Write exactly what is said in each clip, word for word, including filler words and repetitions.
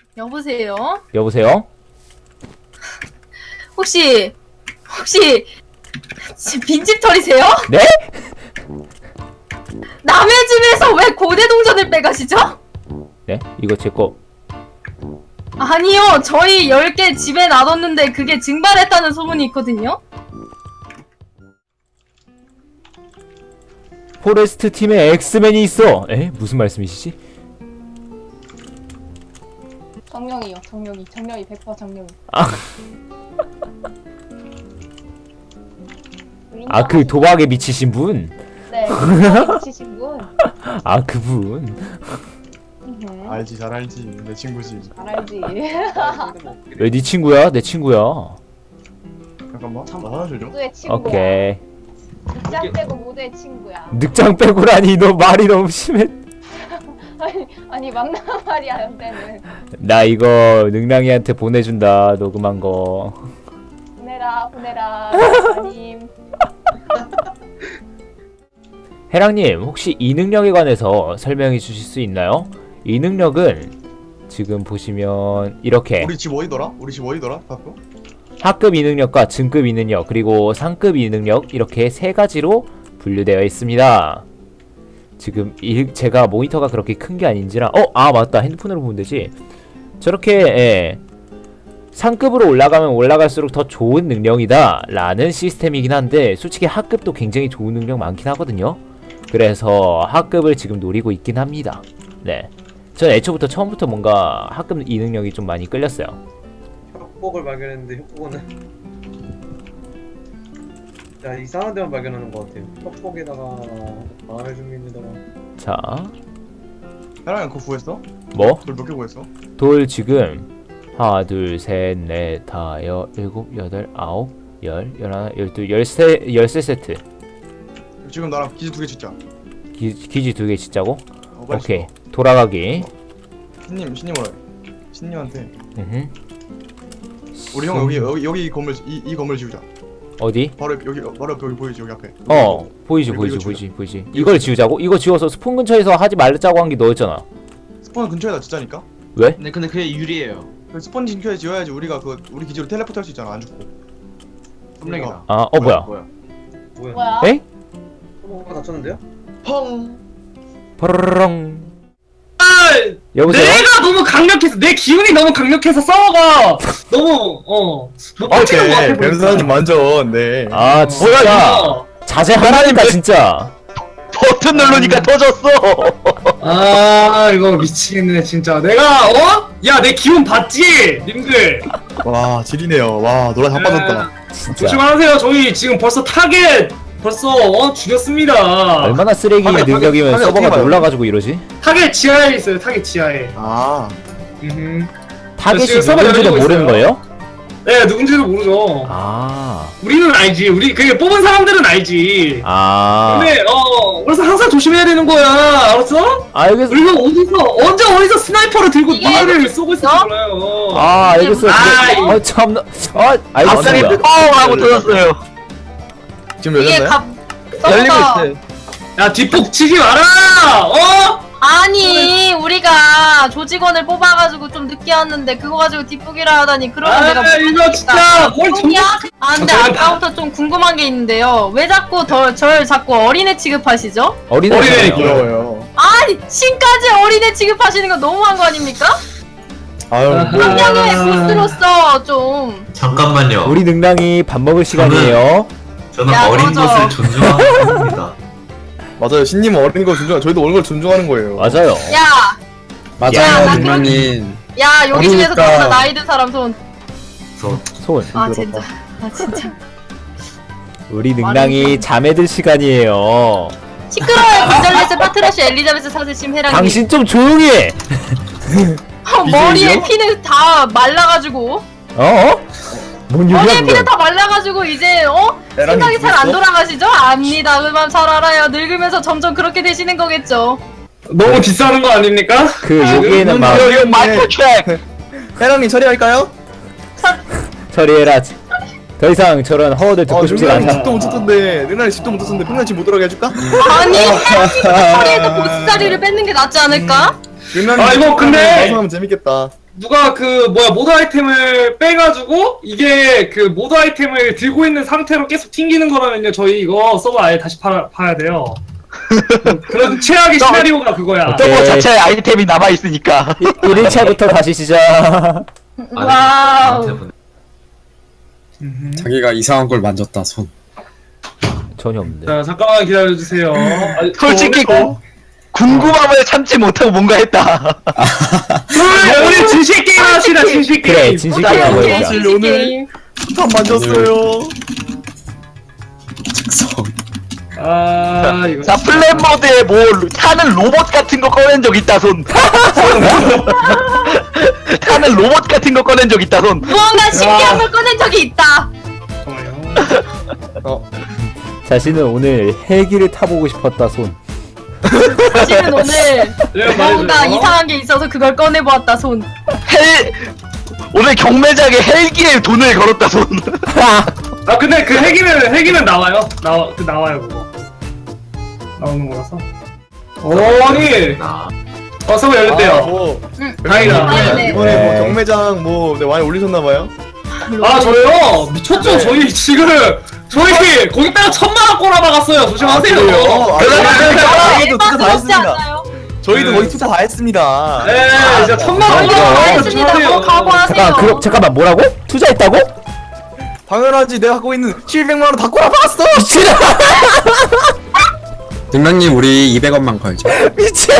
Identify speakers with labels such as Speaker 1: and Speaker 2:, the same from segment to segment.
Speaker 1: 여보세요?
Speaker 2: 여보세요?
Speaker 1: 혹시 혹시 지- 빈집 털이세요?
Speaker 2: 네?
Speaker 1: 남의 집에서 왜 고대 동전을 빼가시죠?
Speaker 2: 네? 이거 제거
Speaker 1: 아니요, 저희 열 개 집에 놔뒀는데 그게 증발했다는 소문이 있거든요?
Speaker 2: 포레스트 팀에 엑스맨이 있어. 에? 무슨 말씀이시지?
Speaker 3: 정령이요, 정령이. 정령이 백 퍼센트 정령이.
Speaker 2: 아, 아 그 도박에 미치신 분?
Speaker 3: 네, 도박에 미치신 분.
Speaker 2: 아 그분.
Speaker 3: 음,
Speaker 4: 알지, 잘 알지. 내 친구지.
Speaker 3: 잘 알지.
Speaker 2: 왜 네 친구야? 내 친구야.
Speaker 4: 잠깐만. 나 하나 줘줘.
Speaker 3: 모두의 친구야.
Speaker 2: 오케이.
Speaker 3: 늑장 빼고 모두의 친구야.
Speaker 2: 늑장 빼고라니 너 말이 너무 심해.
Speaker 3: 아니, 아니 막나 말이야, 연대는.
Speaker 2: 나 이거 능랑이한테 보내준다. 녹음한 거.
Speaker 3: 보내라, 보내라. 아님.
Speaker 2: 해랑님 혹시 이 능력에 관해서 설명해 주실 수 있나요? 이 능력은 지금 보시면 이렇게
Speaker 4: 우리 집 어디더라? 우리 집 어디더라? 바꾸?
Speaker 2: 하급 이 능력과 중급 이 능력 그리고 상급 이 능력 이렇게 세 가지로 분류되어 있습니다. 지금 이, 제가 모니터가 그렇게 큰 게 아닌지라 어? 아 맞다 핸드폰으로 보면 되지. 저렇게 예, 상급으로 올라가면 올라갈수록 더 좋은 능력이다 라는 시스템이긴 한데 솔직히 하급도 굉장히 좋은 능력 많긴 하거든요. 그래서 하급을 지금 노리고 있긴 합니다. 네, 전 애초부터 처음부터 뭔가 하급 이 능력이 좀 많이 끌렸어요.
Speaker 5: 협곡을 발견했는데 협곡은 야 이상한 데만 발견하는 것 같아요. 협곡에다가 마을 주민에다가
Speaker 2: 자,
Speaker 4: 해랑이 그거 구했어?
Speaker 2: 뭐?
Speaker 4: 돌 몇 개 구했어?
Speaker 2: 돌 지금 하나 둘셋넷 다여 일곱 여덟 아홉 열 열하나 열둘 열세 열세 세트.
Speaker 4: 지금 나랑 기지 두 개 짓자.
Speaker 2: 기, 기지 두 개 짓자고?
Speaker 4: 어, 빨리
Speaker 2: 오케이
Speaker 4: 짓어.
Speaker 2: 돌아가기.
Speaker 4: 신님, 신님으로. 신님한테.
Speaker 2: 음흠.
Speaker 4: 우리 형 여기 여기 여기 이 건물 이, 이 건물 지우자.
Speaker 2: 어디?
Speaker 4: 바로 옆- 여기 바로 옆에 여기 보이지 여기 앞에.
Speaker 2: 어 보이지
Speaker 4: 이거,
Speaker 2: 보이지
Speaker 4: 이거
Speaker 2: 보이지 보이지. 이걸 지우자고? 이거 지워서 스폰 근처에서 하지 말자고 한 게 너였잖아.
Speaker 4: 스폰 근처에다 짓자니까.
Speaker 2: 왜?
Speaker 6: 근데 근데 그게 유리해요.
Speaker 4: 그 스폰 근처에 지어야지 우리가 그 우리 기지로 텔레포트 할 수 있잖아 안 죽고.
Speaker 6: 썸랭이다.
Speaker 2: 아 어 뭐야?
Speaker 6: 뭐야?
Speaker 5: 뭐야?
Speaker 3: 뭐야?
Speaker 2: 에?
Speaker 5: 뭐가 다쳤는데요?
Speaker 6: 펑.
Speaker 2: 퍼르렁.
Speaker 7: 아,
Speaker 2: 여보세요?
Speaker 7: 내가 너무 강력해서 내 기운이 너무 강력해서 서버가 너무 어못 버티는 것 같아 보니까.
Speaker 4: 완전 네.
Speaker 2: 아 진짜
Speaker 7: 이거?
Speaker 2: 자제하라니까 진짜.
Speaker 6: 버튼 누르니까 터졌어.
Speaker 7: 아 이거 미치겠네 진짜. 내가 어? 야 내 기운 봤지? 님들
Speaker 4: 와 지리네요. 와 노라 자빠졌다.
Speaker 2: 진짜
Speaker 7: 조심하세요. 저희 지금 벌써 타겟 벌써 어 죽였습니다.
Speaker 2: 얼마나 쓰레기
Speaker 4: 화면,
Speaker 2: 능력이면
Speaker 4: 화면
Speaker 2: 서버가
Speaker 4: 어떻게 봐요?
Speaker 2: 놀라가지고 이러지?
Speaker 7: 타겟 지하에 있어요. 타겟 지하에.
Speaker 4: 아
Speaker 7: 음흠.
Speaker 2: 타겟이
Speaker 7: 지금 서버
Speaker 2: 누군지도
Speaker 7: 열리고
Speaker 2: 모르는
Speaker 7: 있어요.
Speaker 2: 거예요?
Speaker 7: 네 누군지도 모르죠.
Speaker 2: 아,
Speaker 7: 우리는 알지. 우리 그 뽑은 사람들은 알지.
Speaker 2: 아,
Speaker 7: 근데 어 그래서 항상 조심해야 되는 거야. 알았어?
Speaker 2: 알겠어.
Speaker 7: 우리가 어디서 언제 어디서 스나이퍼를 들고
Speaker 1: 이게
Speaker 7: 누나를 쏘고 있을지
Speaker 1: 너?
Speaker 7: 몰라요.
Speaker 2: 아, 알겠어요.
Speaker 7: 아,
Speaker 2: 근데, 어, 참, 아,
Speaker 6: 갑자기
Speaker 2: 알겠습니다.
Speaker 6: 펑 하고 터졌어요.
Speaker 4: 지금
Speaker 1: 이게
Speaker 4: 열렸나요?
Speaker 1: 갑
Speaker 6: 열리고
Speaker 1: 서버가
Speaker 6: 있어요.
Speaker 7: 야 뒷북 치지 마라. 어?
Speaker 1: 아니 우리가 조직원을 뽑아가지고 좀 늦게 왔는데 그거 가지고 뒷북이라 하다니 그러면
Speaker 7: 아
Speaker 1: 내가
Speaker 7: 이거 진짜 뭘 좀.
Speaker 1: 아니야? 아 근데
Speaker 7: 아, 저는
Speaker 1: 아까부터 좀 궁금한 게 있는데요. 왜 자꾸 더, 절 자꾸 어린애 취급하시죠?
Speaker 2: 어린애.
Speaker 7: 어린애
Speaker 4: 부러워요.
Speaker 1: 아니 신까지 어린애 취급하시는 거 너무한 거 아닙니까?
Speaker 4: 아유
Speaker 7: 아.
Speaker 4: 뭐
Speaker 1: 환경의 보스로서 좀
Speaker 8: 잠깐만요.
Speaker 2: 우리 능랑이 밥 먹을 시간이에요.
Speaker 8: 저는
Speaker 1: 야,
Speaker 8: 어린
Speaker 1: 꺼져.
Speaker 8: 것을 존중하는 겁니다.
Speaker 4: 맞아요. 신님은 어린 걸 존중. 저희도 어린 걸 존중하는 거예요.
Speaker 2: 맞아요.
Speaker 1: 야! 야, 나 그럼-
Speaker 6: 님.
Speaker 1: 야 여기 중에서
Speaker 4: 어리니까.
Speaker 1: 진짜 나이 든 사람 손.
Speaker 8: 그래서
Speaker 2: 손.
Speaker 1: 아 진짜. 아 진짜.
Speaker 2: 우리 능랑이 잠에 들 시간이에요.
Speaker 1: 시끄러워요. 건절레스 파트라시 엘리자베스 사세 심 해랑님.
Speaker 2: 당신 좀 조용히 해.
Speaker 1: 어, 머리에
Speaker 4: 이제요?
Speaker 1: 피는 다 말라가지고.
Speaker 2: 어? 어? 뭔
Speaker 1: 머리에
Speaker 2: 얘기야
Speaker 1: 피는
Speaker 2: 그거?
Speaker 1: 다 말라가지고 이제 어? 생각이 잘 안 돌아가시죠? 압니다. 그만 잘 알아요. 늙으면서 점점 그렇게 되시는 거겠죠.
Speaker 7: 너무 비싸는 거 아닙니까?
Speaker 2: 그 여기에는 막
Speaker 6: 이거 마이크로 트랙.
Speaker 4: 해랑님 처리할까요?
Speaker 2: 처리해라. 더 이상 저런 허워들 듣고
Speaker 4: 아,
Speaker 2: 싶지가
Speaker 4: 능란이
Speaker 2: 않다.
Speaker 4: 집도 못 쳤던데 능란이 집도 못 쳤는데 평균 집못 들어가게 해줄까?
Speaker 1: 아니, 해랑님 처리해서 보스 자리를 뺏는 게 낫지 않을까?
Speaker 4: 능란이
Speaker 7: 아, 이거 근데-
Speaker 4: 방송하면 재밌겠다.
Speaker 7: 누가 그 뭐야 모드 아이템을 빼가지고 이게 그 모드 아이템을 들고 있는 상태로 계속 튕기는 거라면요 저희 이거 서버 아예 다시 팔아, 봐야 돼요. 그런 최악의 시나리오가 그거야.
Speaker 2: 오케이.
Speaker 6: 서버 자체에 아이템이 남아있으니까.
Speaker 2: 일 일차부터 다시 시작.
Speaker 1: 와우.
Speaker 9: 자기가 이상한 걸 만졌다 손.
Speaker 2: 전혀 없는데.
Speaker 7: 자 잠깐만 기다려주세요. 아니,
Speaker 6: 솔직히
Speaker 7: 어,
Speaker 6: 궁금함을 참지 못하고 뭔가 했다.
Speaker 7: 우리, 우리 진실 게임 합시다 진실 게임.
Speaker 2: 그래 진실 게임 하고
Speaker 1: 오케이,
Speaker 2: 있자.
Speaker 1: 진실 게임.
Speaker 4: 판 만졌어요.
Speaker 9: 즉성.
Speaker 7: 아 이거.
Speaker 6: 자, 플랜 모드에 뭐, 타는 로봇 같은 거 꺼낸 적 있다, 손. 타는 로봇 같은 거 꺼낸 적 있다, 손.
Speaker 1: 무언가 신기한 걸 꺼낸 적이 있다.
Speaker 7: 잠깐만요.
Speaker 2: 자신은 오늘 헬기를 타보고 싶었다 손.
Speaker 1: 사실은 오늘
Speaker 7: 네,
Speaker 1: 뭔가
Speaker 7: 말해줘요.
Speaker 1: 이상한 게 있어서 그걸 꺼내보았다 손.
Speaker 6: 헬, 오늘 경매장에 헬기에 돈을 걸었다, 손.
Speaker 7: 아 근데 그 핵이면 핵이면 나와요. 나와 그 나와요 그거. 나오는 거라서. 오 아니.
Speaker 8: 나.
Speaker 7: 어 서버 열렸대요.
Speaker 4: 아, 뭐
Speaker 7: 다행이다.
Speaker 1: 다행이네.
Speaker 4: 이번에 뭐 경매장 뭐 네, 많이 올리셨나봐요.
Speaker 7: 아 저요 미쳤죠. 저희 지금 저희 거기다가 천만 원 꼬라박았어요. 조심하세요.
Speaker 4: 아, 저희도 투자 다
Speaker 1: 그렇지
Speaker 4: 했습니다.
Speaker 1: 않나요?
Speaker 4: 저희도
Speaker 7: 네.
Speaker 4: 거의 투자 다 했습니다.
Speaker 7: 네, 진짜 천만 원
Speaker 1: 저희도
Speaker 2: 아,
Speaker 1: 다
Speaker 7: 꼬라박았어요.
Speaker 1: 했습니다. 뭐
Speaker 7: 조심하세요.
Speaker 1: 각오하세요.
Speaker 2: 잠깐 그 잠깐만 뭐라고? 투자했다고?
Speaker 4: 당연하지. 내가 갖고 있는 칠백만 원 다 꼬라박았어.
Speaker 2: 미친.
Speaker 9: 능랑님 우리 이백 원만 걸죠.
Speaker 2: 미친.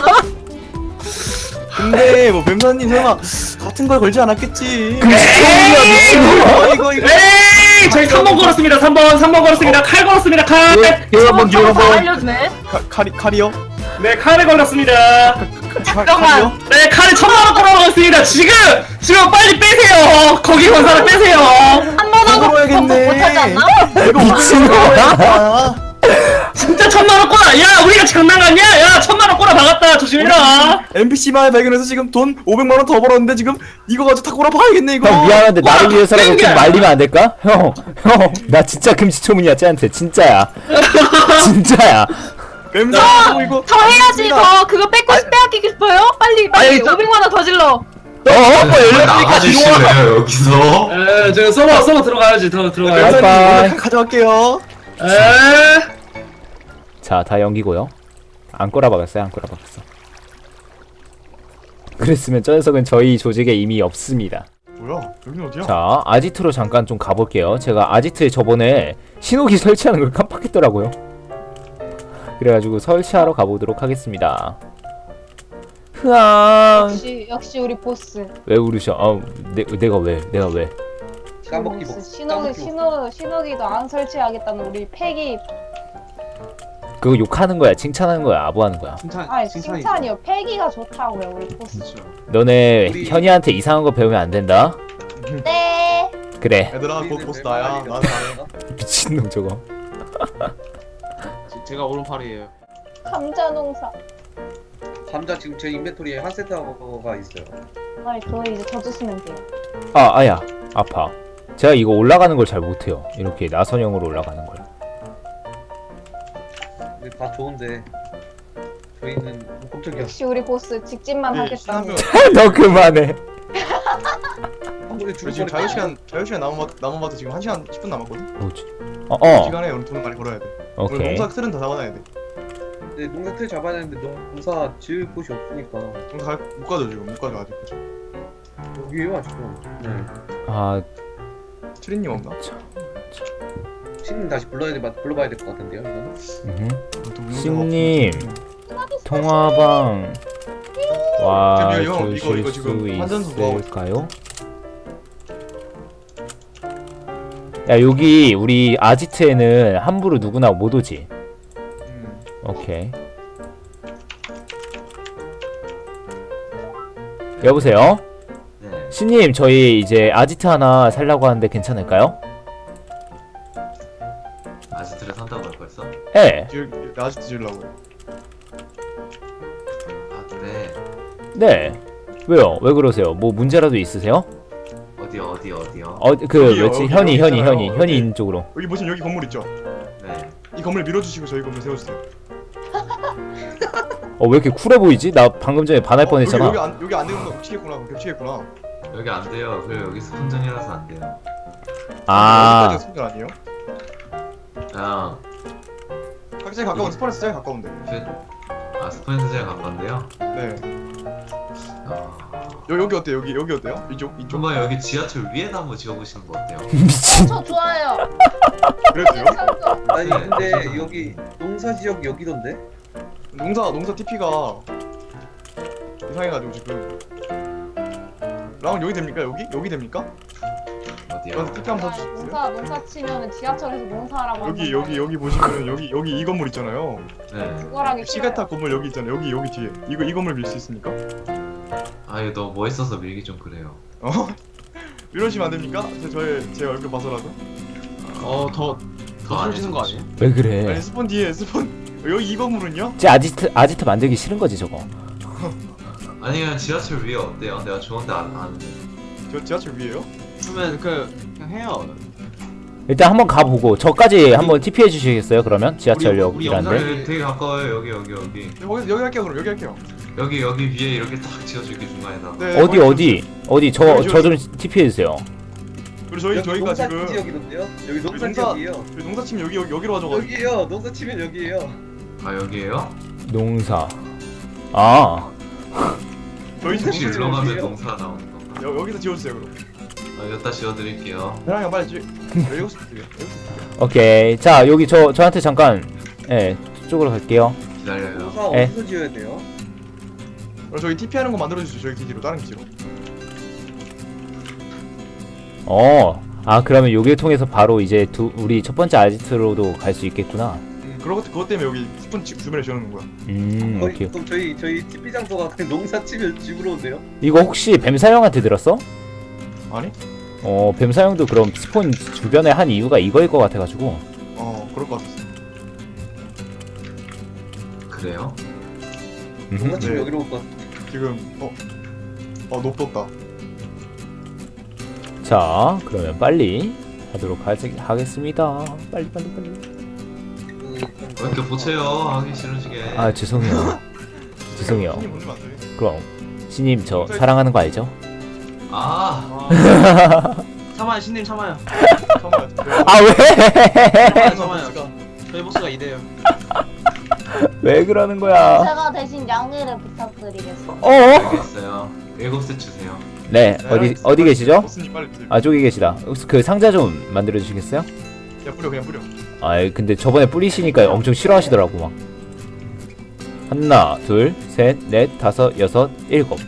Speaker 4: 근데 뭐 뱀사님 설마 같은 걸 걸지 않았겠지.
Speaker 2: 금시초문이야 미친.
Speaker 4: 어, 이거 이거.
Speaker 7: 에이 저희 삼 번 걸었습니다. 삼 번 삼 번 걸었습니다. 칼 걸었습니다. 칼.
Speaker 6: 여러분,
Speaker 1: 다
Speaker 6: 여러분.
Speaker 1: 알려주네.
Speaker 4: 카, 카리 카리요?
Speaker 7: 네 칼에 걸렸습니다.
Speaker 4: 카,
Speaker 1: 잠깐만.
Speaker 4: 카리요?
Speaker 7: 네 칼에 천만 원 꼬라박았습니다. 지금 지금 빨리 빼세요. 거기 건 사람 빼세요.
Speaker 1: 한 번 하고
Speaker 4: 먹어야겠네.
Speaker 1: 번복 못하지 않나?
Speaker 4: 이거 미친놈아.
Speaker 7: 진짜 천만 원 꼬라. 야 우리가 장난 같냐? 야 천만 원 꼬라 박았다. 조심해라.
Speaker 4: 엔피씨만 발견해서 지금 돈 오백만 원 더 벌었는데 지금 이거 가지고 다 꼬라박아야겠네 이거.
Speaker 2: 형 미안한데 나를
Speaker 7: 와,
Speaker 2: 위해서라도 좀
Speaker 7: 땡겨.
Speaker 2: 말리면 안 될까? 형, 형, 나 진짜 금시초문이야 쟤한테 진짜야. 진짜야.
Speaker 4: 뱀사님 이거.
Speaker 1: 더 해야지 더 그거 뺏고 싶 빼앗기고 싶어요? 빨리 빨리
Speaker 6: 아니, 저-
Speaker 1: 오백만 원 더 질러.
Speaker 2: 어?
Speaker 8: 나가주실래요 여기서?
Speaker 7: 에 지금 서버 서버 들어가야지. 더 들어가야지.
Speaker 2: 뱀사-
Speaker 4: 뱀사님 이거 가져갈게요.
Speaker 7: 에
Speaker 2: 자, 다 연기고요. 안 꼬라박았어요, 안 꼬라박았어. 그랬으면 저 녀석은 저희 조직에 이미 없습니다.
Speaker 4: 뭐야? 여기 어디야?
Speaker 2: 자, 아지트로 잠깐 좀 가볼게요. 제가 아지트에 저번에 신호기 설치하는 걸 깜빡했더라고요. 그래가지고 설치하러 가보도록 하겠습니다. 흐앙.
Speaker 3: 역시 역시 우리 보스.
Speaker 2: 왜 울으셔? 아, 내, 내가 왜? 내가 왜?
Speaker 5: 까먹기
Speaker 3: 보스.
Speaker 5: 복.
Speaker 3: 신호기
Speaker 5: 까먹기 복.
Speaker 3: 신호 신호기도 안 설치하겠다는 우리 패기.
Speaker 2: 그거 욕하는 거야, 칭찬하는 거야, 아부하는 거야.
Speaker 5: 칭찬.
Speaker 3: 아니
Speaker 5: 칭찬이죠.
Speaker 3: 칭찬이요. 패기가 좋다고요 우리 보스.
Speaker 2: 너네
Speaker 5: 우리-
Speaker 2: 현이한테 이상한 거 배우면 안 된다.
Speaker 3: 네.
Speaker 2: 그래.
Speaker 4: 얘들아 곧 보스 나야. 난 나야.
Speaker 2: 미친놈 저거.
Speaker 5: 제가 오른팔이에요.
Speaker 3: 감자 농사.
Speaker 5: 감자 지금 제 인벤토리에 한 세트가 있어요.
Speaker 3: 아니 그거 이제 져주 쓰면 돼요.
Speaker 2: 아, 아야, 아파. 제가 이거 올라가는 걸 잘 못해요. 이렇게 나선형으로 올라가는 걸.
Speaker 5: 근데 다 좋은데 저희는 뭐 깜짝이야.
Speaker 3: 역시 우리 보스 직진만
Speaker 4: 네,
Speaker 3: 하겠다.
Speaker 4: 신하면
Speaker 2: 너 그만해.
Speaker 5: 한 번에
Speaker 4: 우리
Speaker 5: 죽을
Speaker 4: 지금
Speaker 5: 뻔했다.
Speaker 4: 자유 시간 자유 시간 남은 남은 봐도 지금 한 시간 십 분 남았거든.
Speaker 2: 뭐지? 어, 어.
Speaker 4: 시간에 우리 돈을 많이 벌어야 돼. 오늘
Speaker 2: 오케이.
Speaker 4: 농사 틀은 다 잡아놔야 돼.
Speaker 5: 네, 농사 틀 잡아야 되는데 농사 지을 곳이 없으니까
Speaker 4: 농사 갈- 못 가죠 지금 못 가죠 아직. 그죠?
Speaker 5: 여기에요 아직도. 네.
Speaker 2: 아,
Speaker 4: 트린님 없나?
Speaker 5: 신님 다시 불러야 돼, 불러봐야 될 것 같은데요 이거는.
Speaker 2: 음.
Speaker 4: 또 문제가
Speaker 2: 신님.
Speaker 4: 없어.
Speaker 2: 통화방 와
Speaker 4: 지금 이거- 이거-
Speaker 2: 주실
Speaker 4: 이거 지금
Speaker 2: 수
Speaker 4: 환전소 뭐 하고
Speaker 2: 있을까요? 야 여기 우리 아지트에는 함부로 누구나 못 오지.
Speaker 4: 음.
Speaker 2: 오케이. 여보세요?
Speaker 8: 네.
Speaker 2: 신님 저희 이제 아지트 하나 살라고 하는데 괜찮을까요?
Speaker 8: 아지트를 산다고 할 거였어?
Speaker 2: 예.
Speaker 4: 지을 아직도 지으려고.
Speaker 8: 아 네.
Speaker 2: 네. 왜요? 왜 그러세요? 뭐 문제라도 있으세요?
Speaker 8: 어디 어디 어디요?
Speaker 2: 어 그
Speaker 4: 여기요,
Speaker 2: 뭐지?
Speaker 4: 여기,
Speaker 2: 현이
Speaker 4: 여기
Speaker 2: 현이
Speaker 4: 있잖아요.
Speaker 2: 현이 현이 있는 쪽으로.
Speaker 4: 여기 보시면 여기 건물 있죠?
Speaker 8: 네.
Speaker 4: 이 건물 밀어주시고 저희 건물 세워주세요.
Speaker 2: 어 왜 이렇게 쿨해 보이지? 나 방금 전에 반할
Speaker 4: 어,
Speaker 2: 뻔했잖아.
Speaker 4: 여기, 여기 안 여기 안 되는 거 겹치겠구나. 겹치겠구나.
Speaker 8: 여기 안 돼요. 그래 여기 스폰전이라서 안 돼요.
Speaker 2: 아
Speaker 4: 여기까지 스폰 아니에요?
Speaker 8: 그냥
Speaker 4: 각자에 가까운 스폰에서 제일 가까운데.
Speaker 8: 그, 아 스폰에서 제일 가까운데요.
Speaker 4: 네.
Speaker 8: 어,
Speaker 4: 여, 여기 어때요? 여기 여기 어때요? 이쪽 이쪽.
Speaker 8: 한번 여기 지하철 위에다 한번 지어보시는 거 어때요?
Speaker 2: 미친.
Speaker 3: 저 좋아요.
Speaker 4: 그래도요?
Speaker 3: 괜찮죠?
Speaker 5: 아니
Speaker 8: 네.
Speaker 5: 근데 여기 농사 지역 여기던데?
Speaker 4: 농사 농사 티피가 이상해가지고 지금. 라운 여기 됩니까? 여기 여기 됩니까?
Speaker 8: 어디요?
Speaker 4: 저한테 티피 한번 사주세요.
Speaker 3: 농사 농사 치면은 지하철에서 농사라고
Speaker 4: 여기
Speaker 3: 한단
Speaker 4: 여기
Speaker 3: 말이에요.
Speaker 4: 여기 보시면은 여기 여기 이 건물 있잖아요.
Speaker 8: 네.
Speaker 3: 그거랑 싫어요.
Speaker 4: 시가타 건물 여기 있잖아요. 여기 여기 뒤에 이거 이 건물 밀 수 있습니까?
Speaker 8: 아 이거 너무 멋있어서 밀기 좀 그래요.
Speaker 4: 어? 이러시면 안 됩니까? 제 저의 제 얼굴 봐서라도.
Speaker 8: 어더 더 안 해주는 거 아니에요?
Speaker 2: 왜
Speaker 4: 아니
Speaker 2: 그래?
Speaker 4: 스폰 뒤에 스폰 여기 이 건물은요?
Speaker 2: 쟤 아지트 아지트 만들기 싫은 거지 저거.
Speaker 8: 아니 그냥 지하철 위에 어때요? 내가 좋은데 안 아는데.
Speaker 4: 저 지하철 위에요?
Speaker 8: 그러면 그 그냥 해요.
Speaker 2: 일단 한번 가보고 저까지 한번 티피 해주시겠어요? 그러면 지하철역이란데.
Speaker 8: 여기 되게 가까워요. 여기 여기 여기
Speaker 4: 네, 거기 여기 할게요. 그럼 여기 할게요.
Speaker 8: 여기 여기 위에 이렇게 딱 지어줄게 중간에다.
Speaker 4: 네,
Speaker 2: 어디
Speaker 4: 거기
Speaker 2: 어디 어디 저 저 좀 티피 해주세요.
Speaker 4: 그리고 저희
Speaker 5: 여기
Speaker 4: 저희가
Speaker 5: 농사
Speaker 4: 지금
Speaker 5: 지역이던데요? 여기 농사
Speaker 4: 농사-
Speaker 5: 지역이에요.
Speaker 4: 저희 농사 치면 여기 여기 여기로 와줘가지고.
Speaker 5: 여기요. 농사 치면 여기에요.
Speaker 8: 아 여기에요?
Speaker 2: 농사. 아
Speaker 4: 저희 집
Speaker 8: 혹시
Speaker 4: 농사
Speaker 8: 일로
Speaker 4: 치면
Speaker 8: 가면
Speaker 5: 여기요?
Speaker 8: 농사 나오는 건가?
Speaker 4: 여, 여기서 지워주세요 그럼.
Speaker 8: 아 여기다 지어드릴게요.
Speaker 4: 대랑이 빨리 지. 여기서 드려. 여기서 드려.
Speaker 2: 오케이. 자 여기 저 저한테 잠깐 예 저쪽으로 갈게요.
Speaker 8: 기다려요.
Speaker 5: 농사
Speaker 2: 에?
Speaker 5: 어디서 지어야 돼요?
Speaker 4: 그럼 저희 티피 하는 거 만들어 주시죠. 저희 기지로 다른 기지로.
Speaker 2: 어. 아 그러면 여기를 통해서 바로 이제 두 우리 첫 번째 아지트로도 갈 수 있겠구나.
Speaker 4: 음, 그러고 그것 때문에 여기 스폰 집 주변에 지어놓는 거야.
Speaker 2: 음
Speaker 5: 거의,
Speaker 2: 오케이.
Speaker 5: 그럼 저희 저희 티피 장소가 그냥 농사 치면 집으로 온대요?
Speaker 2: 이거 혹시 뱀사형한테 들었어?
Speaker 4: 아니?
Speaker 2: 어 뱀사형도 그럼 스폰 주변에 한 이유가 이거일 것 같아가지고.
Speaker 4: 어 그럴 것 같았어.
Speaker 8: 그래요?
Speaker 2: 음흠.
Speaker 5: 농사 치면
Speaker 4: 네.
Speaker 5: 여기로 올 것. 같아.
Speaker 4: 지금 어. 어 높떴다.
Speaker 2: 자 그러면 빨리 하도록 하지, 하겠습니다. 빨리 빨리 빨리.
Speaker 5: 그,
Speaker 8: 왜 이렇게 보채요? 하기 싫으시게.
Speaker 2: 아 죄송해요. 죄송해요.
Speaker 4: 신이 보내면 안 돼.
Speaker 2: 그럼 신님 저 사랑하는 거 알죠?
Speaker 8: 아
Speaker 6: 참아요 신님 참아요.
Speaker 4: 잠깐만.
Speaker 2: 아 왜?
Speaker 4: 잠깐만.
Speaker 6: 저희 보스가 이래요.
Speaker 2: 왜 그러는 거야?
Speaker 3: 제가 대신 양해를 부탁드리겠습니다.
Speaker 2: 어?
Speaker 8: 알겠어요. 일곱 세 주세요.
Speaker 2: 네 어디 어디 계시죠?
Speaker 4: 보스님 빨리 주세요.
Speaker 2: 아 저기 계시다. 혹시 그 상자 좀 만들어 주시겠어요?
Speaker 4: 그냥 뿌려 그냥 뿌려.
Speaker 2: 아 근데 저번에 뿌리시니까 엄청 싫어하시더라고 막. 하나 둘셋넷 다섯 여섯 일곱.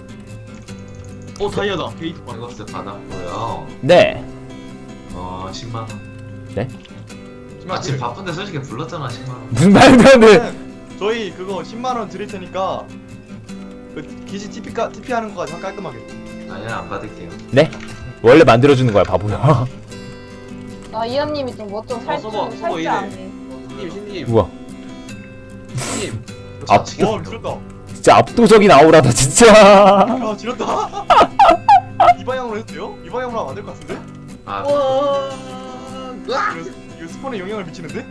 Speaker 6: 오 다이아다. 게이트 봐.
Speaker 8: 일곱 세 받았고요.
Speaker 2: 네.
Speaker 8: 어 십만 원.
Speaker 4: 십만
Speaker 8: 아 지금
Speaker 4: 뿌려.
Speaker 8: 바쁜데 솔직히 불렀잖아 십만 원.
Speaker 2: 무슨 말도 안 돼.
Speaker 4: 네. 저희 그거 십만 원 드릴 테니까 그 기지 티피 까 티피 하는 거까지 한 깔끔하게.
Speaker 8: 아니야 안 받을게요.
Speaker 2: 원래 만들어 주는 거야 바보야.
Speaker 3: 아 이현님이 좀 뭐 좀
Speaker 6: 어,
Speaker 3: 살줄
Speaker 6: 써봐, 써봐,
Speaker 3: 살줄
Speaker 6: 이래.
Speaker 3: 아네.
Speaker 6: 신님 신님
Speaker 2: 우와
Speaker 6: 신님.
Speaker 2: 아,
Speaker 4: 와 지렸다.
Speaker 2: 진짜 압도적인 아우라다 진짜.
Speaker 4: 아 지렸다. 이 방향으로 해도 돼요? 이 방향으로 하면 안 될 것 같은데?
Speaker 8: 아
Speaker 5: 와.
Speaker 4: 이거, 이거 스폰에 영향을 미치는데?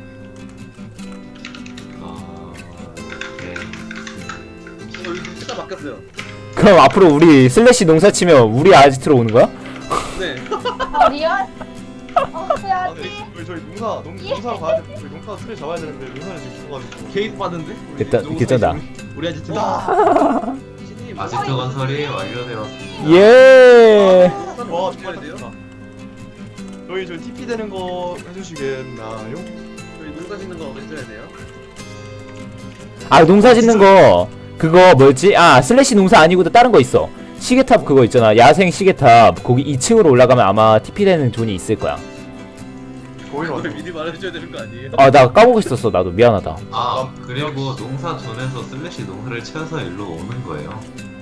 Speaker 8: 어... 네.
Speaker 5: 어, 여기 진짜 바뀌었어요.
Speaker 2: 그럼 앞으로 우리 슬래시 농사 치면 우리 아지트로 오는 거야?
Speaker 5: 네.
Speaker 3: 아 리얼? 어
Speaker 4: 아
Speaker 3: 해야지.
Speaker 4: 네. 저희, 저희 농사 농, 농사로 가야 돼. 저희 농사 틀에 잡아야 되는데 농사를 지금 죽어가지고.
Speaker 6: 게이트 받은데? 우리
Speaker 2: 일단
Speaker 6: 농사
Speaker 2: 괜찮다.
Speaker 6: 지금 우리 아지트.
Speaker 4: 와.
Speaker 6: 신님.
Speaker 8: 아지트 건설이 완료되었습니다.
Speaker 2: 예.
Speaker 4: 와
Speaker 5: 정말
Speaker 4: 정말
Speaker 5: 돼요?
Speaker 4: 됐다. 저희 저 티피 되는 거 해주시겠나요?
Speaker 5: 저희 농사 짓는 거 언제 해야 돼요?
Speaker 2: 아 농사 짓는 거 그거 뭐였지? 아 슬래시 농사 아니고도 다른 거 있어. 시계탑 그거 있잖아. 야생 시계탑 거기 이 층으로 올라가면 아마 티피 되는 존이 있을 거야.
Speaker 4: 거기로
Speaker 5: 그걸
Speaker 4: 와서.
Speaker 5: 미리 말해줘야 되는 거 아니에요?
Speaker 2: 아 나 까보고 있었어. 나도 미안하다.
Speaker 8: 아 그리고 농사 존에서 슬래시 농사를 채워서 일로 오는 거예요.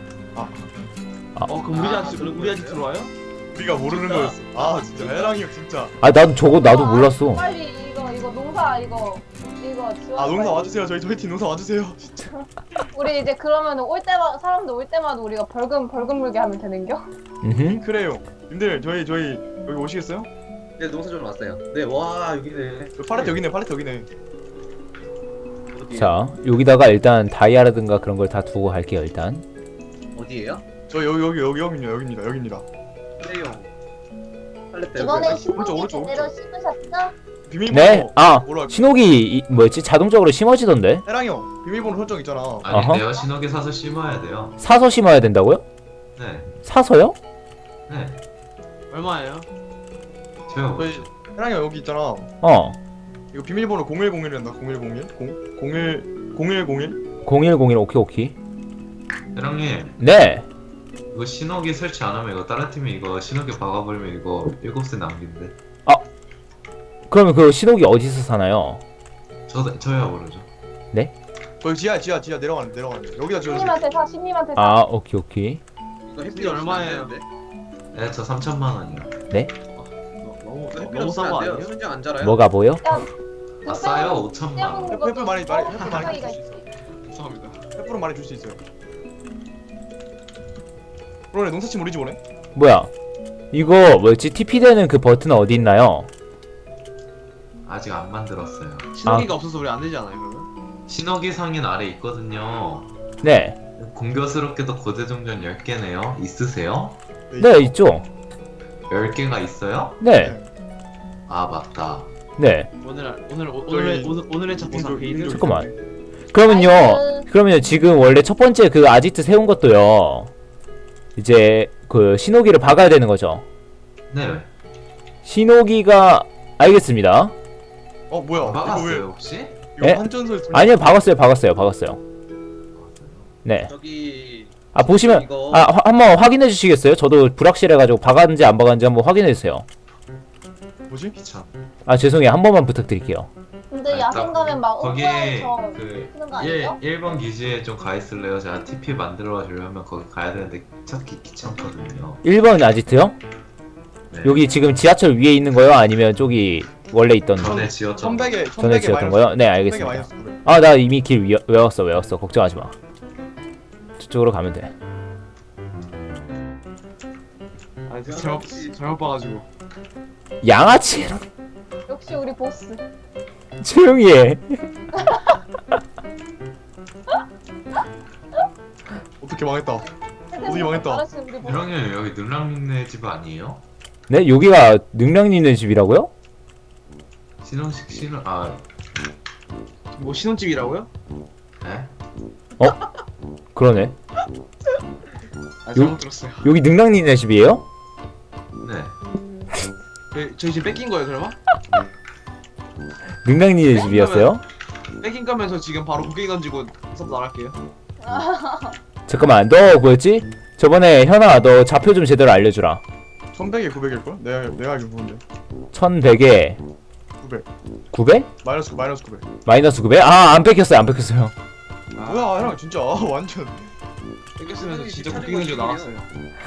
Speaker 6: 어 그럼 우리 아지트 우리 아지트로 와요?
Speaker 4: 우리가 모르는 거였어. 아 진짜 해랑이 형 진짜.
Speaker 2: 아 나도 저거 나도
Speaker 3: 아,
Speaker 2: 몰랐어.
Speaker 3: 빨리 이거 이거 농사 이거 이거 지원.
Speaker 4: 아 농사
Speaker 3: 빨리.
Speaker 4: 와주세요. 저희 저희 팀 농사 와주세요. 진짜.
Speaker 3: 우리 이제 그러면 올 때마다 사람들 올 때마다 우리가 벌금 벌금 물게 하면 되는겨?
Speaker 2: 음.
Speaker 4: 그래요. 님들 저희 저희 여기 오시겠어요?
Speaker 5: 네 농사 좀 왔어요. 네, 와 여기네.
Speaker 4: 저 팔레트 여기네. 팔레트 여기네.
Speaker 2: 자 여기다가 일단 다이아라든가 그런 걸 다 두고 갈게요 일단.
Speaker 5: 어디에요?
Speaker 4: 저 여기 여기 여기 여기입니다 여기입니다 여기입니다.
Speaker 5: 플레이용. 빨리 빼.
Speaker 3: 이번에
Speaker 4: 오른쪽,
Speaker 3: 신문지
Speaker 4: 오른쪽,
Speaker 3: 제대로
Speaker 4: 오른쪽.
Speaker 3: 심으셨죠?
Speaker 4: 비밀번호.
Speaker 2: 네? 아
Speaker 4: 뭐라
Speaker 2: 신호기 이, 뭐였지? 자동적으로 심어지던데?
Speaker 4: 해랑이 형 비밀번호 설정 있잖아.
Speaker 8: 아닌데요. 신호기 사서 심어야 돼요.
Speaker 2: 사서 심어야 된다고요?
Speaker 8: 네.
Speaker 2: 사서요?
Speaker 8: 네.
Speaker 5: 얼마예요?
Speaker 8: 제가
Speaker 4: 저희 해랑이 형 여기 있잖아.
Speaker 2: 어
Speaker 4: 이거 비밀번호 공일공일이란다. 공일공일 공 공일 공일공일.
Speaker 2: 공일공일 오케이 오케이.
Speaker 8: 회랑님
Speaker 2: 네
Speaker 8: 이거 신호기 설치 안 하면 이거 다른 팀이 이거 신호기 박아버리면 이거 일곱 세 남긴데.
Speaker 2: 그러면 그 신호기 어디서 사나요?
Speaker 8: 저 저야 모르죠.
Speaker 4: 거기 지하 지하 지하 내려가는 내려가는. 여기다 지어주세요.
Speaker 3: 신님한테 사, 신님한테 사.
Speaker 2: 아 오케이 오케이.
Speaker 5: 이거 햇빛 얼마예요?
Speaker 8: 네, 저 삼천만 원이요.
Speaker 5: 너무 너무 싼거 아니에요? 순정 안 자라요?
Speaker 2: 뭐가 뭐요?
Speaker 8: 아 싸요 오천만 원.
Speaker 4: 햇- 햇불 많이 많이 햇불 많이
Speaker 3: 가까이가
Speaker 4: 줄 수
Speaker 3: 있어.
Speaker 4: 있어요. 죄송합니다. 햇불은 많이 줄 수 있어요. 그러네 농사팀 우리 집 오네.
Speaker 2: 뭐야 이거 뭐였지? 티피 되는 그 버튼 어디 있나요?
Speaker 8: 아직 안 만들었어요.
Speaker 5: 신호기가 없어서 우리 안 되지 않아요 그러면?
Speaker 8: 신호기 상인 아래 있거든요.
Speaker 2: 네
Speaker 8: 공교스럽게도 고대종전 열 개네요. 있으세요?
Speaker 2: 네 있죠.
Speaker 8: 열 개가 있어요?
Speaker 2: 네
Speaker 8: 아 맞다.
Speaker 2: 네.
Speaker 5: 오늘 오늘 오-
Speaker 4: 저기-
Speaker 5: 오늘 오늘 오늘의 차 보상
Speaker 4: 인조-
Speaker 5: 게이드.
Speaker 4: 인조-
Speaker 2: 잠깐만. 그러면요
Speaker 3: 아이고.
Speaker 2: 그러면 지금 원래 첫 번째 그 아지트 세운 것도요 이제 그 신호기를 박아야 되는 거죠.
Speaker 8: 네.
Speaker 2: 신호기가 알겠습니다.
Speaker 4: 어 뭐야? 이거 왜
Speaker 8: 막았어요 혹시?
Speaker 4: 이거
Speaker 2: 에?
Speaker 4: 한전소에 돌-
Speaker 2: 아니요 박았어요 박았어요 박았어요. 네.
Speaker 5: 저기
Speaker 2: 아 보시면
Speaker 5: 이거
Speaker 2: 아 화- 한번 확인해 주시겠어요? 저도 불확실해가지고 박았는지 안 박았는지 한번 확인해 주세요.
Speaker 4: 뭐지?
Speaker 8: 귀찮.
Speaker 2: 아 죄송해요 한 번만 부탁드릴게요.
Speaker 3: 근데
Speaker 8: 아,
Speaker 3: 야생
Speaker 8: 딱
Speaker 3: 가면 막
Speaker 8: 거기에
Speaker 3: 은구에서
Speaker 8: 그
Speaker 3: 쓰는 거
Speaker 8: 일,
Speaker 3: 아니죠?
Speaker 8: 일 번 기지에 좀 가 있을래요? 제가 티피 만들어 주려면 거기 가야 되는데 찾기 귀찮거든요.
Speaker 2: 일 번 아지트요?
Speaker 8: 네.
Speaker 2: 여기 지금 지하철 위에 있는 거요? 아니면 저기 원래 있던
Speaker 8: 전에 지었던
Speaker 4: 천백에
Speaker 2: 전에
Speaker 4: 천백에
Speaker 2: 지었던
Speaker 4: 마이너스-
Speaker 2: 거요? 네
Speaker 4: 천백에
Speaker 2: 알겠습니다.
Speaker 4: 마이너스 구백.
Speaker 2: 아 나 이미 길 위, 외웠어 외웠어 걱정하지 마. 저쪽으로 가면 돼.
Speaker 5: 아 잘못 잘못 봐가지고.
Speaker 2: 양아치
Speaker 3: 역시 우리 보스.
Speaker 2: 조용히 해.
Speaker 4: 어떻게 망했다. 어디 망했다.
Speaker 3: 알았지 우리 보스.
Speaker 8: 형님 여기 능랑님네 집 아니에요?
Speaker 2: 네 여기가 능량님네 집이라고요?
Speaker 8: 신혼식 신혼 아
Speaker 5: 뭐 신혼집이라고요?
Speaker 8: 네?
Speaker 2: 그러네.
Speaker 5: 아 잘못 들었어요.
Speaker 2: 여기 능량님네 집이에요?
Speaker 8: 네.
Speaker 5: 저희, 저희 집 뺏긴 거예요 설마?
Speaker 2: 능량님네 집이었어요?
Speaker 5: 뺏긴 거면서 지금 바로 곡괭이 던지고 서브 나갈게요.
Speaker 2: 잠깐만 너 뭐였지? 저번에 현아 너 좌표 좀 제대로 알려주라.
Speaker 4: 천백에 구백일 걸? 내가 내가 알기로 그런데.
Speaker 2: 천백에
Speaker 4: 구백.
Speaker 2: 구백?
Speaker 4: 마이너스 마이너스 구백.
Speaker 2: 마이너스 구백? 아 안 뺏겼어요 안 뺏겼어요.
Speaker 4: 뭐야 형 진짜 완전.
Speaker 5: 뺏겼으면서 진짜 곡괭이 던지고 나갔어요.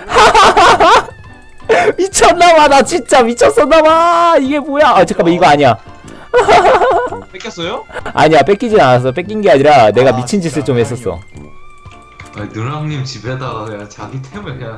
Speaker 2: 미쳤나봐 나 진짜 미쳤었나봐. 이게 뭐야? 아 잠깐만 이거 아니야.
Speaker 5: 뺏겼어요?
Speaker 2: 아니야 뺏기진 않았어. 뺏긴 게 아니라 내가
Speaker 4: 아,
Speaker 2: 미친 짓을
Speaker 4: 진짜
Speaker 2: 좀 했었어.
Speaker 8: 아, 능랑님 집에다가 그냥 자기 템을 그냥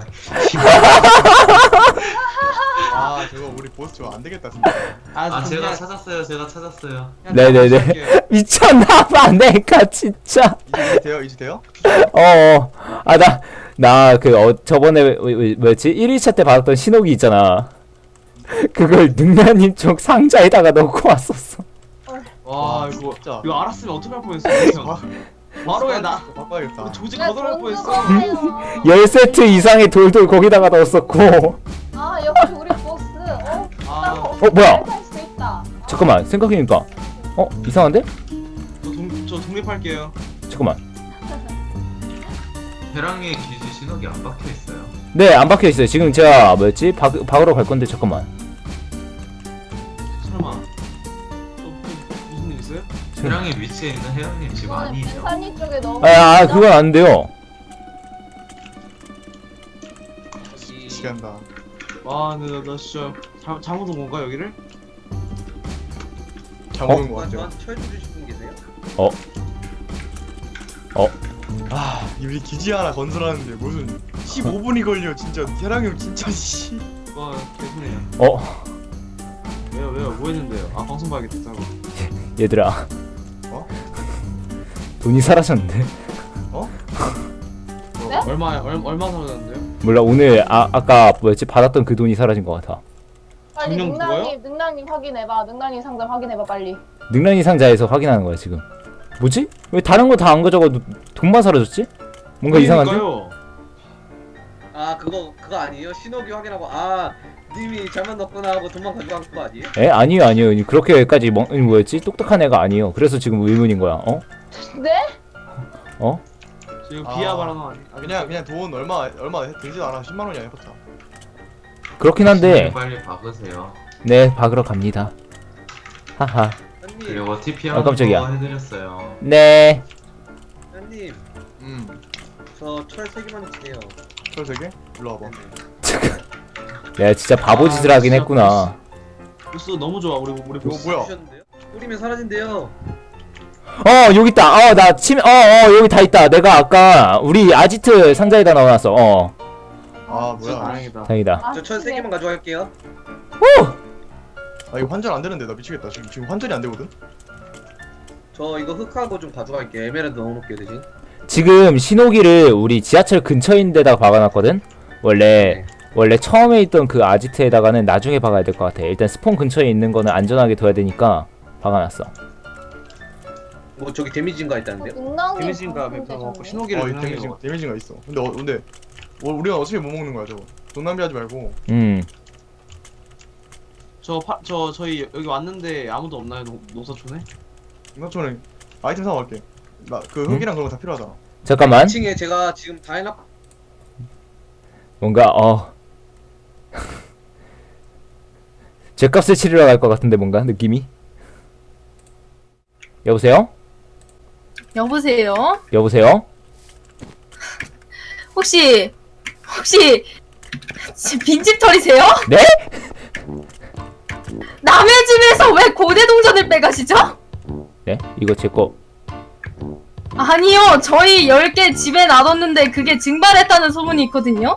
Speaker 4: 아 저거 우리 보스 저거 안 되겠다 진짜.
Speaker 8: 아 제가 찾았어요 제가 찾았어요.
Speaker 2: 네네네. 미쳤나봐 내가 진짜.
Speaker 4: 이제 돼요 이제 돼요?
Speaker 2: 어어 아 나 나 그 어, 저번에 뭐- 뭐- 뭐였지 일 일차 때 받았던 신호기 있잖아. 그걸 능라님 쪽 상자에다가 넣고 왔었어.
Speaker 5: 와 이거
Speaker 4: 진짜.
Speaker 5: 이거 알았으면 어떡할 뻔했어. 바로 해나
Speaker 4: 바꿔야겠다.
Speaker 5: 조직
Speaker 3: 야,
Speaker 5: 거절할
Speaker 3: 돈
Speaker 5: 뻔했어.
Speaker 3: 주고 사요.
Speaker 2: 열 세트 이상의 돌돌 거기다가 넣었었고.
Speaker 3: 아 역시 우리 보스. 어?
Speaker 5: 아,
Speaker 2: 어 뭐야?
Speaker 3: 할수 있다.
Speaker 2: 잠깐만 생각해보니까 어 이상한데?
Speaker 5: 저, 동, 저 독립할게요.
Speaker 2: 잠깐만.
Speaker 8: 해랑의 기지 신호기 안 박혀 있어요.
Speaker 2: 네 안 박혀 있어요. 지금 제가 뭐였지 박 박으러 갈 건데 잠깐만.
Speaker 5: 설마 또, 또 무슨 일 있어요?
Speaker 8: 해랑의 위치에 있는 해랑님 집
Speaker 3: 이거는
Speaker 8: 아니죠?
Speaker 3: 빈산이 쪽에 너무.
Speaker 2: 아, 아 그건 안 돼요.
Speaker 4: 시간다.
Speaker 5: 와, 근데 나, 나 진짜 잘, 잘못 온 건가 여기를?
Speaker 4: 잘못 온거 같아요.
Speaker 5: 쳐주실 분 계세요?
Speaker 2: 어? 어?
Speaker 4: 아 우리 기지 하나 건설하는데 무슨 십오 분이 걸려 진짜. 태랑이 형 진짜 씨.
Speaker 5: 와, 개소리야.
Speaker 2: 어?
Speaker 5: 왜요, 왜요? 뭐 했는데요? 아, 방송 봐야겠다.
Speaker 2: 얘들아.
Speaker 4: 어?
Speaker 2: 돈이 사라졌는데.
Speaker 4: 어?
Speaker 3: 네?
Speaker 5: 얼마 얼마 얼마 사라졌는데요?
Speaker 2: 몰라 오늘 아 아까 뭐였지 받았던 그 돈이 사라진 것 같아.
Speaker 3: 빨리
Speaker 5: 작년
Speaker 3: 능랑님 능랑님 확인해봐. 능랑님 상자 확인해봐 빨리.
Speaker 2: 능란이 상자에서 확인하는 거야 지금. 뭐지? 왜 다른 거 다 안 가져가도 돈만 사라졌지? 뭔가 이상한데?
Speaker 5: 아 그거 그거 아니에요? 신호기 확인하고 아 님이 잘못 넣었구나 하고 돈만 가져간 거 아니에요?
Speaker 2: 에 아니요 아니요 그렇게까지 멍 뭐였지 똑똑한 애가 아니에요. 그래서 지금 의문인 거야. 어?
Speaker 3: 네?
Speaker 2: 어?
Speaker 5: 지금
Speaker 4: 아,
Speaker 5: 비하 발언 아니?
Speaker 4: 아, 그냥 그냥 돈 얼마 얼마 들지도 않아. 십만 원이야 해봤자.
Speaker 2: 그렇긴 한데
Speaker 8: 빨리 박으세요.
Speaker 2: 네 박으러 갑니다. 하하.
Speaker 5: 현님
Speaker 8: 그리고 티피
Speaker 2: 아,
Speaker 8: 하는
Speaker 2: 깜짝이야.
Speaker 8: 거 해드렸어요.
Speaker 2: 네.
Speaker 5: 현님
Speaker 4: 음.
Speaker 5: 저 철 세 개만 주세요.
Speaker 4: 철 세 개? 일로 와봐.
Speaker 2: 내가 진짜 바보짓을
Speaker 5: 아,
Speaker 2: 하긴
Speaker 5: 진짜
Speaker 2: 했구나.
Speaker 5: 보스 너무 좋아 우리 우리
Speaker 4: 이거 뭐야?
Speaker 5: 주셨는데요? 뿌리면 사라진대요.
Speaker 2: 어 여기 있다. 어나 침. 어어 여기 다 있다. 내가 아까 우리 아지트 상자에다 넣어놨어. 어
Speaker 4: 아 뭐야?
Speaker 5: 다행이다.
Speaker 2: 다행이다.
Speaker 3: 아,
Speaker 5: 저 철 세
Speaker 3: 네.
Speaker 5: 개만 가져갈게요.
Speaker 4: 아 이거 환전 안 되는데 나 미치겠다. 지금 지금 환전이 안 되거든.
Speaker 5: 저 이거 흙하고 좀 가져갈게요. 에메랄드 넣어놓을게요 대신.
Speaker 2: 지금 신호기를 우리 지하철 근처인 데다가 박아놨거든. 원래 원래 처음에 있던 그 아지트에다가는 나중에 박아야 될 것 같아. 일단 스폰 근처에 있는 거는 안전하게 둬야 되니까 박아놨어.
Speaker 5: 뭐 저기 데미지인가 있다는데요?
Speaker 3: 능랑님
Speaker 5: 데미지인가
Speaker 3: 방송
Speaker 5: 몇 번
Speaker 3: 되셨네.
Speaker 5: 신호기를
Speaker 4: 어, 이
Speaker 5: 그냥
Speaker 4: 데미지
Speaker 5: 해요.
Speaker 4: 데미지가 있어. 근데 어, 근데 어, 우리가 어차피 못 먹는 거야 저거. 돈 낭비하지 말고.
Speaker 2: 음.
Speaker 10: 저, 파, 저, 저희 여기 왔는데 아무도 없나요? 농, 농사촌에?
Speaker 4: 이거처럼 아이템 사고 갈게. 나 그 흙이랑 그런 거 다 필요하잖아.
Speaker 2: 잠깐만.
Speaker 5: 이 층에 제가 지금 다 해놨.
Speaker 2: 뭔가 어. 죗값을 치르러 갈 것 같은데 뭔가 느낌이. 여보세요?
Speaker 1: 여보세요?
Speaker 2: 여보세요?
Speaker 1: 혹시 혹시 지- 빈집 털이세요?
Speaker 2: 네?
Speaker 1: 남의 집에서 왜 고대 동전을 빼가시죠?
Speaker 2: 네? 이거 제 거.
Speaker 1: 아니요, 저희 열 개 집에 놔뒀는데 그게 증발했다는 소문이 있거든요.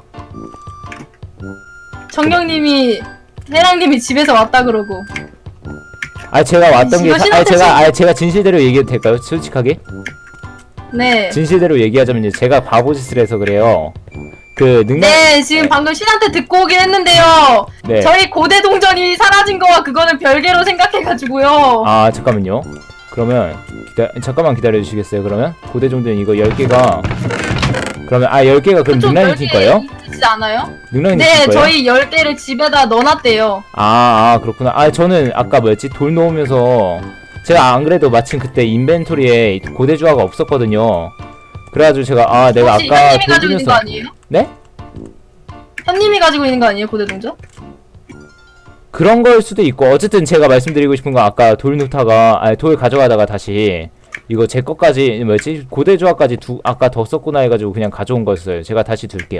Speaker 1: 정령님이 해랑님이 집에서 왔다 그러고.
Speaker 2: 아 제가 왔던 게
Speaker 1: 이거
Speaker 2: 사- 아
Speaker 1: 신호대
Speaker 2: 제가
Speaker 1: 지-
Speaker 2: 아 제가 진실대로 얘기해도 될까요? 솔직하게?
Speaker 1: 네.
Speaker 2: 진실대로 얘기하자면 이제 제가 바보짓을 해서 그래요. 그 능력
Speaker 1: 네, 지금 방금 신한테 듣고 오긴 했는데요.
Speaker 2: 네.
Speaker 1: 저희 고대 동전이 사라진 거와 그거는 별개로 생각해가지고요.
Speaker 2: 아 잠깐만요. 그러면 기다 잠깐만 기다려 주시겠어요? 그러면 고대 종전 이거 열 개가 그러면 아 열 개가 그럼
Speaker 1: 좀
Speaker 2: 능란이 팀 거예요?
Speaker 1: 있지 않아요?
Speaker 2: 능란이
Speaker 1: 네,
Speaker 2: 팀 거예요?
Speaker 1: 저희 열 개를 집에다 넣어놨대요.
Speaker 2: 아, 아 그렇구나. 아 저는 아까 뭐였지 돌 놓으면서 제가 안 그래도 마침 그때 인벤토리에 고대 주화가 없었거든요. 그래가지고 제가 아 내가
Speaker 1: 혹시
Speaker 2: 아까
Speaker 1: 현님이
Speaker 2: 돌
Speaker 1: 가지고 있는 거
Speaker 2: 두면서
Speaker 1: 아니에요?
Speaker 2: 네?
Speaker 1: 현님이 가지고 있는 거 아니에요, 고대 동전?
Speaker 2: 그런 걸 수도 있고 어쨌든 제가 말씀드리고 싶은 건 아까 돌 놓다가 아니 돌 가져가다가 다시 이거 제 것까지 뭐였지 고대 조합까지 두 아까 더 썼구나 해가지고 그냥 가져온 거였어요. 제가 다시 들게요.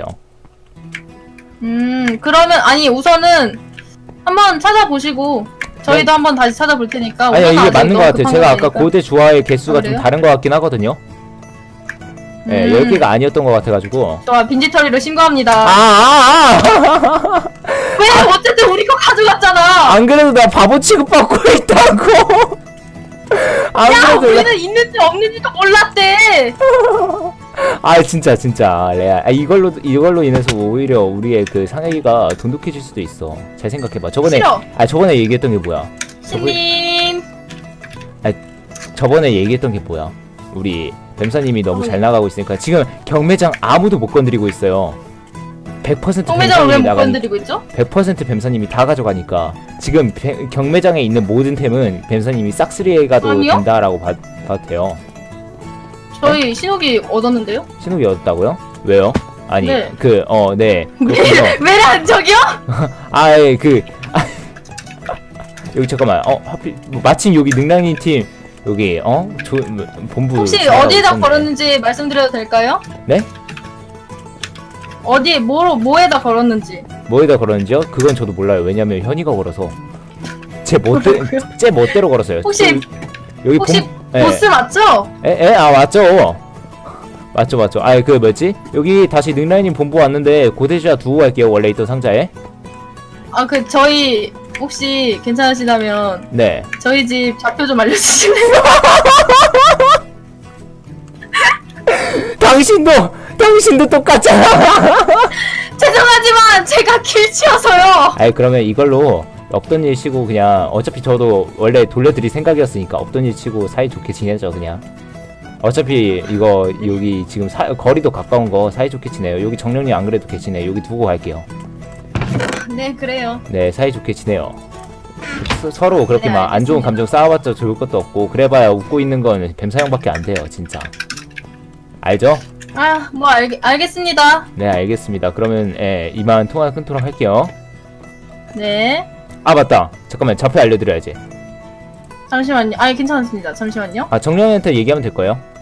Speaker 1: 음, 그러면 아니 우선은 한번 찾아보시고 저희도 한번 다시 찾아볼 테니까.
Speaker 2: 아니
Speaker 1: 우선은
Speaker 2: 이게
Speaker 1: 아직
Speaker 2: 맞는 것
Speaker 1: 너무
Speaker 2: 같아요.
Speaker 1: 급한
Speaker 2: 제가 아까
Speaker 1: 거니까.
Speaker 2: 고대 조화의 개수가
Speaker 1: 아,
Speaker 2: 좀
Speaker 1: 그래요?
Speaker 2: 다른 것 같긴 하거든요. 네,
Speaker 1: 음.
Speaker 2: 열 개가 아니었던 것 같아가지고.
Speaker 1: 좋아, 빈지털이로 신고합니다.
Speaker 2: 아, 아, 아!
Speaker 1: 왜? 어쨌든 우리 거 가져갔잖아.
Speaker 2: 안 그래도 나 바보 취급받고 있다고! 안
Speaker 1: 야,
Speaker 2: 그래도 나-
Speaker 1: 우리는 있는지 없는지도 몰랐대.
Speaker 2: 아, 진짜, 진짜. 레알. 아, 이걸로, 이걸로 인해서 오히려 우리의 그 상혁이가 돈독해질 수도 있어. 잘 생각해봐. 저번에,
Speaker 1: 싫어.
Speaker 2: 아, 저번에 얘기했던 게 뭐야? 저번,
Speaker 1: 신님.
Speaker 2: 저번에 얘기했던 게 뭐야? 우리 뱀사님이 너무 잘 나가고 있으니까 지금 경매장 아무도 못 건드리고 있어요. 백 퍼센트
Speaker 1: 통매장을 왜
Speaker 2: 뱀사님이
Speaker 1: 못
Speaker 2: 나가니
Speaker 1: 건드리고 있죠?
Speaker 2: 백 퍼센트 뱀사님이 다 가져가니까 지금 뱀- 경매장에 있는 모든 템은 뱀사님이 싹쓸이해 가도
Speaker 1: 아니요?
Speaker 2: 된다라고 봐, 봐도 돼요.
Speaker 1: 저희 신호기 얻었는데요?
Speaker 2: 신호기 얻었다고요? 왜요? 아니
Speaker 1: 네.
Speaker 2: 그 어 네 그렇군요.
Speaker 1: 왜란 저기요?
Speaker 2: 아예 그 아, 여기 잠깐만 어 하필 뭐 마침 여기 능랑님 팀 여기 어 조, 뭐, 본부
Speaker 1: 혹시
Speaker 2: 사람이
Speaker 1: 어디에다
Speaker 2: 있었네.
Speaker 1: 걸었는지 말씀드려도 될까요?
Speaker 2: 네?
Speaker 1: 어디 뭐로 뭐에다 걸었는지.
Speaker 2: 뭐에다 걸었는지요? 그건 저도 몰라요. 왜냐면 현이가 걸어서 제 멋대 제 멋대로 걸었어요.
Speaker 1: 혹시-
Speaker 2: 여기, 여기
Speaker 1: 혹시
Speaker 2: 본, 예.
Speaker 1: 보스 맞죠?
Speaker 2: 에, 에, 아, 맞죠. 맞죠, 맞죠. 아, 그, 뭐였지? 여기 다시 능라이님 본부 왔는데, 고대주야 두고 갈게요, 원래 있던 상자에.
Speaker 1: 아 그 저희 혹시 괜찮으시다면
Speaker 2: 네.
Speaker 1: 저희 집 좌표 좀 알려주실래요?
Speaker 2: 당신도 당신도 똑같잖아.
Speaker 1: 죄송하지만 제가 길치여서요.
Speaker 2: 아이 그러면 이걸로 없던 일 치고 그냥 어차피 저도 원래 돌려드릴 생각이었으니까 없던 일 치고 사이좋게 지내죠 그냥. 어차피 이거 여기 지금 사, 거리도 가까운 거 사이좋게 지내요. 여기 정령님 안 그래도 계시네. 여기 두고 갈게요.
Speaker 1: 네 그래요.
Speaker 2: 네 사이좋게 지내요. 서, 서로 그렇게
Speaker 1: 네,
Speaker 2: 막 안 좋은
Speaker 1: 알겠습니다.
Speaker 2: 감정 쌓아봤자 좋을 것도 없고 그래봐야 웃고 있는 건 뱀사형밖에 안 돼요 진짜. 알죠?
Speaker 1: 아 뭐 알겠습니다.
Speaker 2: 네 알겠습니다. 그러면 예, 이만 통화 끊도록 할게요.
Speaker 1: 네.
Speaker 2: 아 맞다 잠깐만 좌표 알려드려야지.
Speaker 1: 잠시만요. 아 괜찮습니다. 잠시만요.
Speaker 2: 아 정령한테 얘기하면 될 거예요.